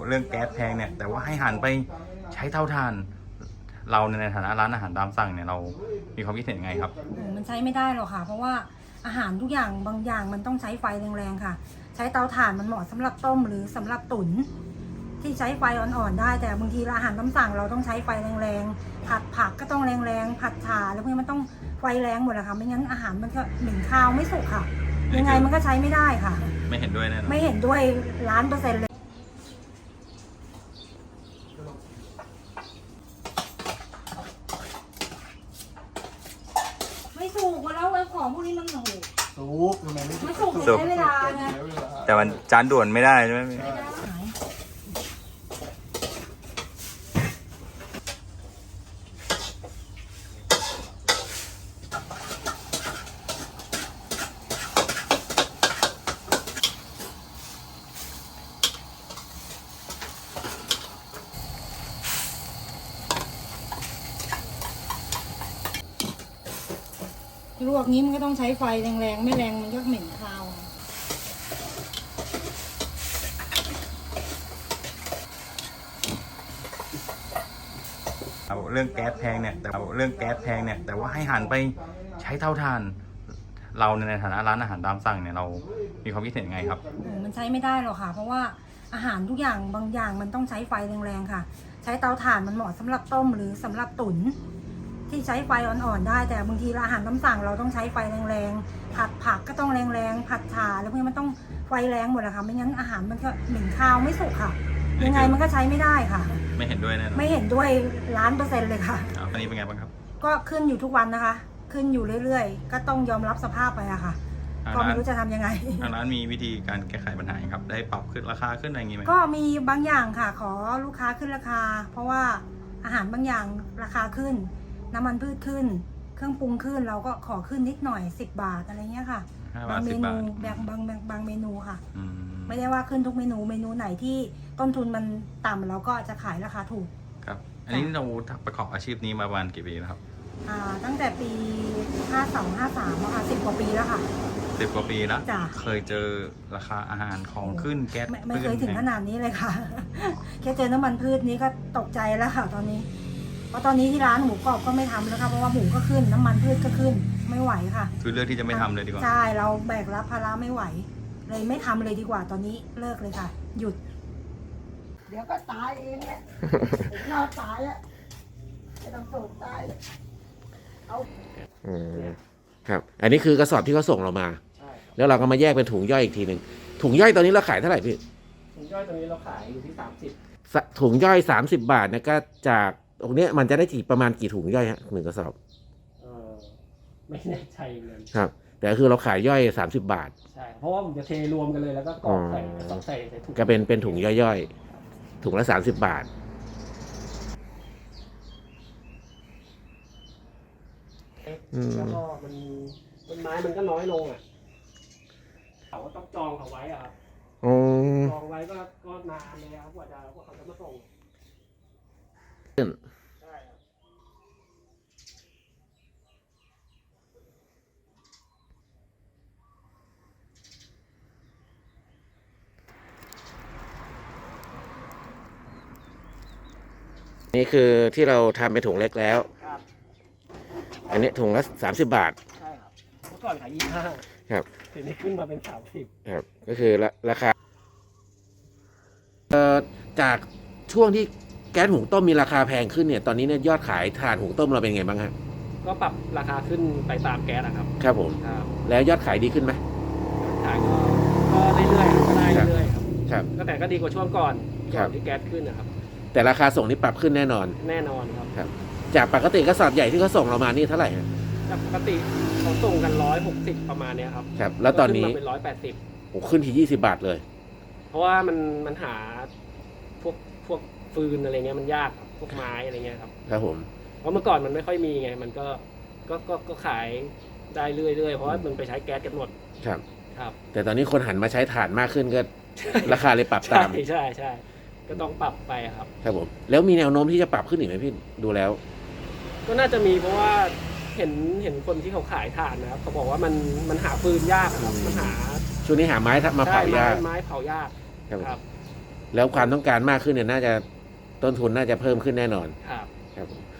เรื่องแก๊สแพงเนี่ยแต่ว่าให้หันไปใช้เตาถ่านเราในฐานะร้านอาหารตามสั่งเนี่ยเรามีความคิดเห็นยังไงครับมันใช้ไม่ได้หรอกค่ะเพราะว่าอาหารทุกอย่างบางอย่างมันต้องใช้ไฟแรงๆค่ะใช้เตาถ่านมันเหมาะสำหรับต้มหรือสำหรับตุ๋นที่ใช้ไฟอ่อนๆได้แต่บางทีอาหารตามสั่งเราต้องใช้ไฟแรงๆผัดผักก็ต้องแรงๆผัดฉ่าแล้วพวกนี้มันต้องไฟแรงหมดเลยค่ะไม่งั้นอาหารมันก็เหม็นคาวไม่สุกค่ะยังไงมันก็ใช้ไม่ได้ค่ะไม่เห็นด้วยแน่นอนไม่เห็นด้วย1,000,000%เลยไม่สุกแล้วไอ้ของพวกนี้มันโหสุกมันไม่ไม่สุกใช้เวลาไงแต่มันจานด่วนไม่ได้ใช่ไหมพี่ลวกนี้มันก็ต้องใช้ไฟแรงๆไม่แรงมันก็เหม็นคาวเรื่องแก๊สแพงเนี่ยแต่ว่าให้หันไปใช้เตาถ่านเราในฐานะร้านอาหารตามสั่งเนี่ยเรามีความคิดเห็นยังไงครับมันใช้ไม่ได้หรอกค่ะเพราะว่าอาหารทุกอย่างบางอย่างมันต้องใช้ไฟแรงๆค่ะใช้เตาถ่านมันเหมาะสำหรับต้มหรือสำหรับตุ๋นที่ใช้ไฟอ่อนๆได้แต่บางทีอาหารตามสั่งเราต้องใช้ไฟแรงๆผัดผักก็ต้องแรงๆผัดฉ่าแล้วพวกนี้มันต้องไฟแรงหมดเลยค่ะไม่งั้นอาหารมันก็เหม็นคาวไม่สุกค่ะยังไงมันก็ใช้ไม่ได้ค่ะไม่เห็นด้วยแน่นอนไม่เห็นด้วย1,000,000%เลยค่ะตอนนี้เป็นไงบ้างครับก็ขึ้นอยู่ทุกวันนะคะขึ้นอยู่เรื่อยๆก็ต้องยอมรับสภาพไปอะค่ะก็ไม่รู้จะทำยังไงทางร้านมีวิธีการแก้ไขปัญหาครับได้ปรับขึ้นราคาขึ้นอะไรอย่างงี้ไหมก็มีบางอย่างค่ะขอลูกค้าขึ้นราคาเพราะว่าอาหารบางอย่างราคาขึ้นน้ำมันพืชขึ้นเครื่องปรุงขึ้นเราก็ขอขึ้นนิดหน่อย10 บาทอะไรเงี้ยค่ะบางเมนูบางเมนูค่ะไม่ได้ว่าขึ้นทุกเมนูไหนที่ต้นทุนมันต่ำเราก็จะขายราคาถูกครับอันนี้เราประกอบอาชีพนี้มาประมาณกี่ปีแล้วครับตั้งแต่ปี52-53ค่ะ10 กว่าปีแล้วค่ะ 10 กว่าปีแล้วเคยเจอราคาอาหารของขึ้นแก๊สไม่เคยถึงขนาดนี้เลยค่ะแค่เจอน้ำมันพืชนี้ก็ตกใจแล้วค่ะตอนนี้เพราะตอนนี้ที่ร้านหมูกรอบก็ไม่ทำแล้วค่ะเพราะว่าหมูก็ขึ้นน้ำมันพืชก็ขึ้นไม่ไหวค่ะคือเลือกที่จะไม่ทำเลยดีกว่าใช่เราแบกรับภาระไม่ไหวเลยไม่ทำเลยดีกว่าตอนนี้เลิกเลยค่ะหยุดเดี๋ยวก็ตายเองแหละนอนตายอ่ะไม่ต้องส่งตายเอาครับอันนี้คือกระสอบที่เขาส่งเรามาแล้วเราก็มาแยกเป็นถุงย่อยอีกทีหนึ่งถุงย่อยตอนนี้เราขายเท่าไหร่พี่ถุงย่อยตอนนี้เราขายอยู่ที่30 ถุงย่อย30 บาทนะก็จากตรงนี้มันจะได้ประมาณกี่ถุงย่อยฮะ1 กระสอบไม่แน่ใจเลยครับแต่คือเราขายย่อย30 บาทใช่เพราะว่าผมจะเทรวมกันเลยแล้วก็กรอกใส่ถุงก็เป็นถุงย่อยๆถุงละ30 บาทแล้วก็ต้นไม้มันก็น้อยลงอ่ะเขาก็ต้องจองเขาไว้อ่ะครับจองไว้ก็นานเลยครับกว่าเขาจะมาส่งใช่ครับนี่คือที่เราทำเป็นถุงเล็กแล้วอันนี้ถุงละ30 บาทใช่ครับเมื่อก่อนขาย25 ครับทีนี้ขึ้นมาเป็น30 ครับก็คือราคาจากช่วงที่แก๊สหุงต้มมีราคาแพงขึ้นเนี่ยตอนนี้เนี่ยยอดขายถ่านหุงต้มเราเป็นไงบ้างฮะก็ปรับราคาขึ้นไปตามแก๊สนะครับครับผมแล้วยอดขายดีขึ้นไหมขายก็เรื่อยๆก็ได้เรื่อยๆครับก็แต่ก็ดีกว่าช่วงก่อนที่แก๊สขึ้นนะครับแต่ราคาส่งนี่ปรับขึ้นแน่นอนครับจากปกติกระสอบใหญ่ที่เขาส่งเรามานี่เท่าไหร่ฮะจากปกติเขาส่งกัน160ประมาณเนี้ยครับครับแล้วตอนนี้เป็น180 โอ้ขึ้นที่20 บาทเลยเพราะว่ามันหาพวกฟืนอะไรเงี้ยมันยากพวกไม้อะไรเงี้ยครับครับผมเพราะเมื่อก่อนมันไม่ค่อยมีไงมันก็ขายได้เรื่อยๆเพราะว่ามันไปใช้แก๊สกันหมดครับแต่ตอนนี้คนหันมาใช้ถ่านมากขึ้นก็ราคาเลยปรับตามใช่ก็ต้องปรับไปครับครับผมแล้วมีแนวโน้มที่จะปรับขึ้นอีกไหมพี่ดูแล้วก็น่าจะมีเพราะว่าเห็นคนที่เขาขายถ่านนะครับเขาบอกว่ามันหาฟืนยากครับมันหาช่วงนี้หาไม้มาเผายากไม้เผายากครับแล้วความต้องการมากขึ้นเนี่ยน่าจะต้นทุนน่าจะเพิ่มขึ้นแน่นอนครับครับผม